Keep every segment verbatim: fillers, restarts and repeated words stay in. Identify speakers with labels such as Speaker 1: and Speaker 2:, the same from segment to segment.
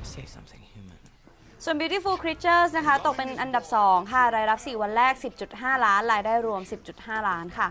Speaker 1: ส่วน Beautiful Creatures นะคะตกเป็นอันดับสองค่ะรายรับสี่วันแรก สิบจุดห้า ล้านรายได้รวม สิบจุดห้า ล้านค่ะ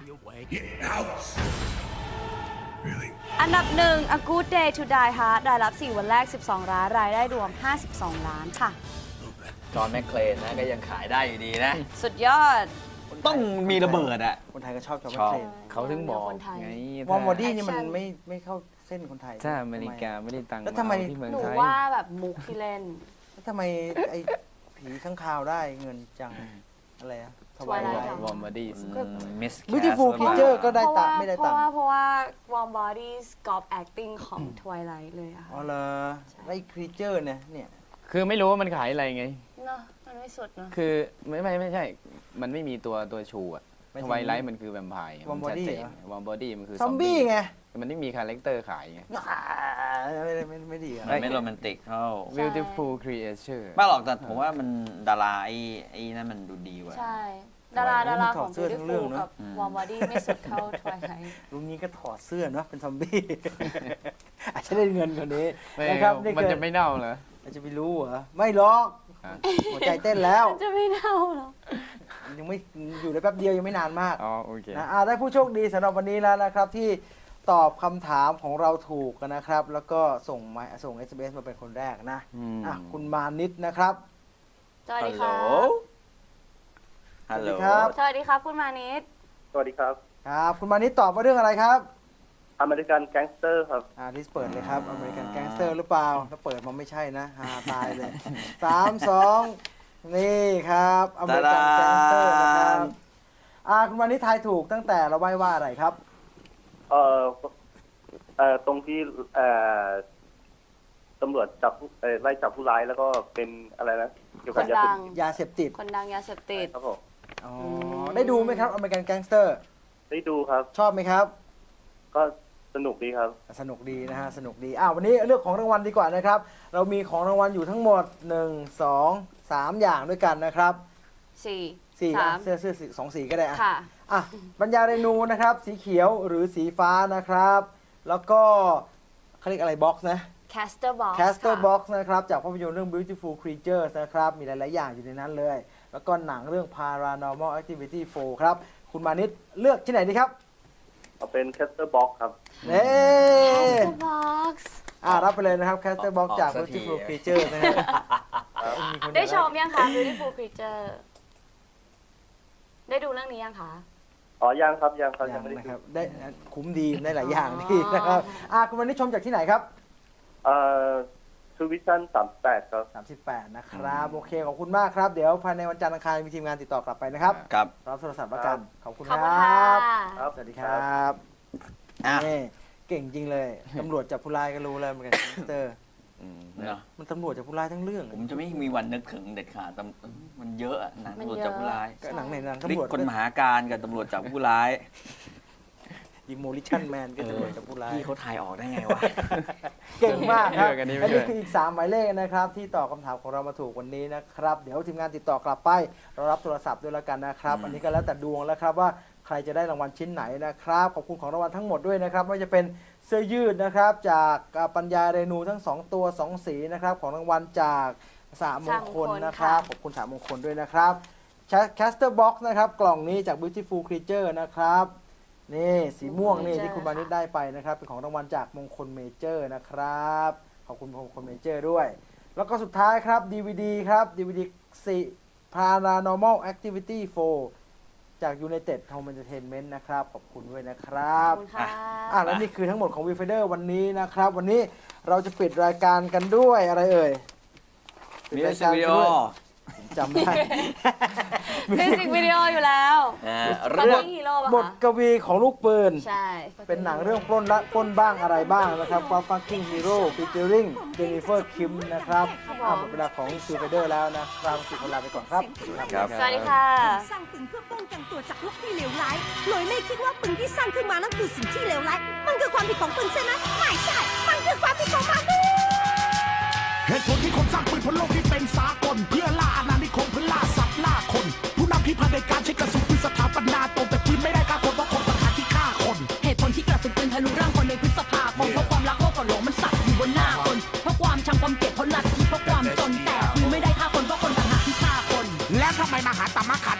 Speaker 1: อันดับหนึ่ง A Good Day to Die Hard รายรับสี่วันแรกสิบสองล้านรายได้รวมห้าสิบสองล้านค่ะ
Speaker 2: จอห์นแมคเคลนนะก็ยังขายได้อยู่ดีนะ
Speaker 1: สุดยอด
Speaker 2: ต้องมีระเบิดอ่ะ
Speaker 3: คนไทยก็ชอบจอห์นแมค
Speaker 2: ชอบ
Speaker 3: เคลน
Speaker 2: เขาถึงบอกไง
Speaker 3: วอร์มบอดี้นี่มันไม่ไม่เข้าเส้นคนไทย
Speaker 4: ถ้าอเมริกาไม่ได้ตังค์
Speaker 3: แล้วทำไม
Speaker 4: ที่เมือง
Speaker 1: หนู
Speaker 4: ไทย
Speaker 1: ว่าแบบมุกที่เล่น
Speaker 3: แล้วทำไมไอ้ผีข้างคาวได้เงินจังอะไรอะ
Speaker 1: ทวายไลท์
Speaker 4: วอร์มบอดี้
Speaker 2: มิส
Speaker 3: Beautiful Creature ก็ได้ตังค์ไม่ได้ตังค์
Speaker 1: เพราะว่าเพราะว่า Warm Bodies Golf Acting ของ Twilight เลยอะ
Speaker 3: อ๋อเหรอไอ้ Creature เนี่ยเนี่ย
Speaker 4: คือไม่รู้ว่ามันขายอะไรไง
Speaker 1: เนาะมันไม่สุดเนาะ
Speaker 4: คือไม่ไม่ไม่ใช่มันไม่มีตัวตัวชูอะทวายไลท์มันคือแวมไพร์
Speaker 3: วอร์มบอดี้
Speaker 4: วอร์มบอดี้มันคือ
Speaker 3: ซอมบี้ไง
Speaker 4: มันไม่มีคาแรคเตอร์ขายไง
Speaker 3: ไม่ไม่ไม่ดี
Speaker 2: มันไม่โรแมนติกเท่า
Speaker 4: Beautiful Creature
Speaker 2: ไม่หรอกแต่ผมว่ามันดาราไอ้ไอ้นั่นมันดูดีกว่า
Speaker 1: ใช่ดาราดาราของ Beautiful กับ Warm Body ไม่สุดเท่า Twilight
Speaker 3: ลุงนี้ก็ถอดเสื้อเนาะเป็นซอมบี้อาจจะได้เงินคนนี้
Speaker 4: นะครับมันจะไม่เน่าเหรอ
Speaker 3: อาจจะไม่รู้เหรอไม่หรอกหัวใจเต้นแล้ว
Speaker 1: จะไม่เน่าหรอ
Speaker 3: ยังไม่อยู่ได้แป๊บเดียวยังไม่นานมาก
Speaker 4: อ๋อโอเค
Speaker 3: นะได้ผู้โชคดีสำหรับวันนี้แล้วนะครับที่ตอบคำถามของเราถูกกันนะครับแล้วก็ส่งมาส่ง เอส เอ็ม เอส มาเป็นคนแรกนะอ่ะคุณมานิดนะครับ
Speaker 1: สวัสดีครับ
Speaker 2: ฮัลโหล
Speaker 1: สวัสดีครับคุณมานิด
Speaker 5: สวัสดีครับ
Speaker 3: ครับคุณมานิดตอบว่าเรื่องอะไรครับ
Speaker 5: อเมริกันแก๊งสเตอร์ครับ
Speaker 3: อ่าดิสเปิดเลยครับอเมริกันแก๊งสเตอร์หรือเปล่าถ้าเปิดมันไม่ใช่นะฮาตายเลยสามสองนี่ครับอเมริกันแก๊งสเตอร์นะครับอ่าคุณมานิดทายถูกตั้งแต่เราใบ้ว่าอะไรครับ
Speaker 5: เอ่อเอ่อตรงที่เอ่อตำรวจจับเอ่อไล่จับผู้ร้ายแล้วก็เป็นอะไรนะเกี่ยวกับยาเสพติด
Speaker 3: ยาเสพติด
Speaker 1: คนดังยาเสพติด
Speaker 5: ครับผม
Speaker 3: อ๋อได้ดูไหมครับอเมริกันแก๊งสเตอร์
Speaker 5: ได้ดูครับ
Speaker 3: ชอบไหมครับ
Speaker 5: ก็สนุกดีครับ
Speaker 3: สนุกดีนะฮะสนุกดีอ้าววันนี้เรื่องของรางวัลดีกว่านะครับเรามีของรางวัลอยู่ทั้งหมดหนึ่ง สอง สามอย่างด้วยกันนะครับ
Speaker 1: สี่
Speaker 3: สี่เสื้อเสื้อสองสีก็ได้อ่ะ
Speaker 1: ค่ะ
Speaker 3: อ่ะบรรยาเรนูนะครับสีเขียวหรือสีฟ้านะครับแล้วก็เขาเรียกอะไรบ็อกซ์นะ
Speaker 1: Caster Box
Speaker 3: Caster Box นะครับจากภาพยนตร์เรื่อง Beautiful Creatures นะครับมีหลายๆอย่างอยู่ในนั้นเลยแล้วก็หนังเรื่อง Paranormal Activity โฟร์ครับคุณมานิดเลือกที่ไหนดีครับ
Speaker 5: เอาเป็น Caster Box ครับ
Speaker 3: เน่
Speaker 1: Caster Box
Speaker 3: อ่ารับไปเลยนะครับ Caster Box จาก Beautiful Creatures นะฮะ
Speaker 1: ได้ชมยังคะ Beautiful Creature ได้ดูเรื่องนี้ยังคะ
Speaker 5: อ๋อยังครับยังครับยังไม่ได้
Speaker 3: ครับได้คุ้มดีได้หลายอย่างดีนะครับอ่าคุณมานิดชมจากที่ไหนครับ
Speaker 5: เอ่อทูวิชั่นสามสิบแปดครับ
Speaker 3: สามสิบแปดนะครับโอเคขอบคุณมากครับเดี๋ยวภายในวันจันทร์อังคารมีทีมงานติดต่อกลับไปนะครับ
Speaker 2: ครับ
Speaker 3: รับโทรศัพท์ประกันขอบคุณครับสวัสดีครับนี่เก่งจริงเลยตำรวจจับผู้ร้ายก็รู้เลยเหมือนกันเตอร์มันตำรวจจับผู้ร้ายทั้งเรื่อง
Speaker 2: ผมจะไม่มีวันนึกถึงเด็ดขาดมันเยอะหนังตำรวจจับผู้ร้าย
Speaker 3: ก็หนังไหนหนัง
Speaker 2: ตำรวจคนมหาการกับตำรวจจับผู้ร้าย
Speaker 3: Demolition Man ก็ตำรวจจับผู้ร้าย
Speaker 2: พี่เขาทายออกได้ไงวะ
Speaker 3: เก่งมากครับอันนี้คืออีกสามหมายเลขนะครับที่ตอบคำถามของเรามาถูกวันนี้นะครับเดี๋ยวทีมงานติดต่อกลับไปเรารับโทรศัพท์ด้วยแล้วกันนะครับอันนี้ก็แล้วแต่ดวงแล้วครับว่าใครจะได้รางวัลชิ้นไหนนะครับขอบคุณของรางวัลทั้งหมดด้วยนะครับไม่ว่าจะเป็นเสื้อยืดนะครับจากปัญญาเรนูทั้งสองตัวสองสีนะครับของรางวัลจากสามมงคลนะครับขอบคุณสามมงคลด้วยนะครับ Caster Box นะครับกล่องนี้จาก Beautiful Creature นะครับนี่สีม่วงนี่ที่คุณมานิดได้ไปนะครับเป็นของรางวัลจากมงคลเมเจอร์นะครับขอบคุณมงคลเมเจอร์ด้วยแล้วก็สุดท้ายครับ ดี วี ดี ครับ ดี วี ดี สี่ Paranormal Activity โฟร์จาก United Home Entertainment นะครับขอบคุณด้วยนะครับ
Speaker 1: ขอบคุณค่ะ
Speaker 3: อ่ะแล้วนี่คือทั้งหมดของ Viewfinder วันนี้นะครับวันนี้เราจะปิดรายการกันด้วยอะไรเอ่ย
Speaker 2: มิวสิกวิดีโอ
Speaker 3: จำได้
Speaker 1: มิวสิกวิดีโออยู่แล้ว
Speaker 3: เรื่องบทกวีของลูกปืน
Speaker 1: ใช่
Speaker 3: เป็นหนังเรื่องปล้นละปล้นบ้างอะไรบ้างนะครับว่า Fucking Hero featuring Jennifer Kim นะครับหมดเวลาของ Viewfinder แล้วนะครับสุดเวลาไปก่อนครับ
Speaker 1: สวัสดีค่ะ
Speaker 6: สร้างปืนเพื่อป้องกันตัวจากพวกที่เลวร้ายเลยไม่คิดว่าปืนที่สร้างขึ้นมานั้นคือสิ่งที่เลวร้ายมันคือความผิดของปืนใช่ไหมไม่ใช่มันคือความผิดของมนุษย์
Speaker 7: เหตุผลที่คนสร้างปืนบนโลกที่เป็นสากลเพื่อล่าอาณานิคมเพื่อล่าสัตว์ล่าคนผู้นำที่พาในการใช้กระสุนปืนสถาปนาตรงแต่ปืนไม่ได้ฆ่าคนเพราะคนต่างหากที่ฆ่าคน
Speaker 6: เหตุผลที่กระสุนปืนทะลุร่างคนในพฤษภาคมเพราะความรักโลกก่อนหลงมันสักอยู่บนหน้าคนเพราะความชังความเกลียดเพราะนัดที่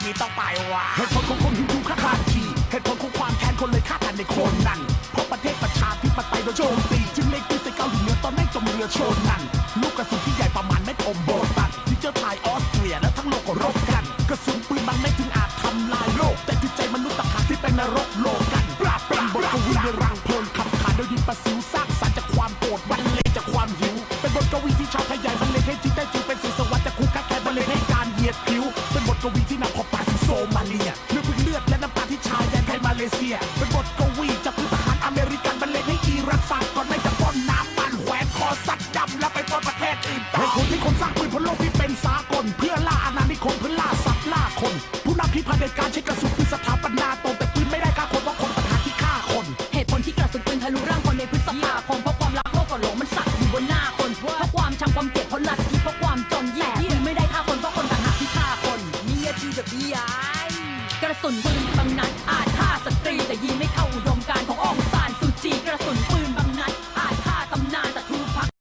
Speaker 7: นี้ต้องไปว่ะเหตุผลของคนฮินดูฆ่าขาดขี่เหตุผลของความแค้นคนเลยฆ่ากันในโคนนั้นเพราะประเทศประชาธิปไตยโดนโจมตีจึงเล็งปืนใส่เกาหลีเหนือตอนแม่งจมเรือโชนนั้นลูกกระสุนที่ใหญ่ประมาณเม็ดอมโบตันที่เจ้าชายออสเตรียและทั้งโลกก็รบกันกระสุนปืนมันไม่ถึงอาจทำลายโลกแต่จิตใจมนุษย์ต่างหากที่เป็นนรกโลกันปราบปรามบทกวีในรังเพลิงขับขานโดยดินประสิวสร้างสรรค์จากความโกรธบรรเลงจากความหิวเป็นบทกวีที่ชาวไทยใหญ่บรรเลงให้จิตได้จึงเป็นสื่อสวรรค์จากคู่ค้าแข่งบรรเลงให้การเหยียดผิวเป็นบทกวีที่นำพบปาถึงโซมาเลียเลือดเลือดและน้ำตาที่ชายแดนไทยมาเลเซียเป็นบทกวีจากพื้นทหารอเมริกันบรรเลงให้อิรักฟังก่อนไม่จะป้อนน้ำมันแขวนคอสัตว์ดำแล้วไปป้อนประเทศอื่นต่อเหตุผลที่คนสร้างปืนพลโลกที่เป็นสากลเพื่อล่าอาณานิคมเพื่อล่าสัตว์ล่าคนผู้นำที่เผด็จการใช้กระสุนปืนสถาปนาตนแต่ปืนไม่ได้ฆ่าคนเพราะคนปัญหาที่ฆ่าคน
Speaker 6: เหตุผลที่กระสุนปืนทะลุร่างคนในพฤษภาคมเพราะความรักโลกก็หลงมันสัตว์อยู่บนหน้าคนเพราะความชังความเกลียดเพราะลัทธิเพราะความจนแย่ปืนไม่ได้ฆ่าคนเพราะคนต่างหากที่ฆ่าคนนี่คือ the บี ไอ กระสุนปืนบางนัดอาจ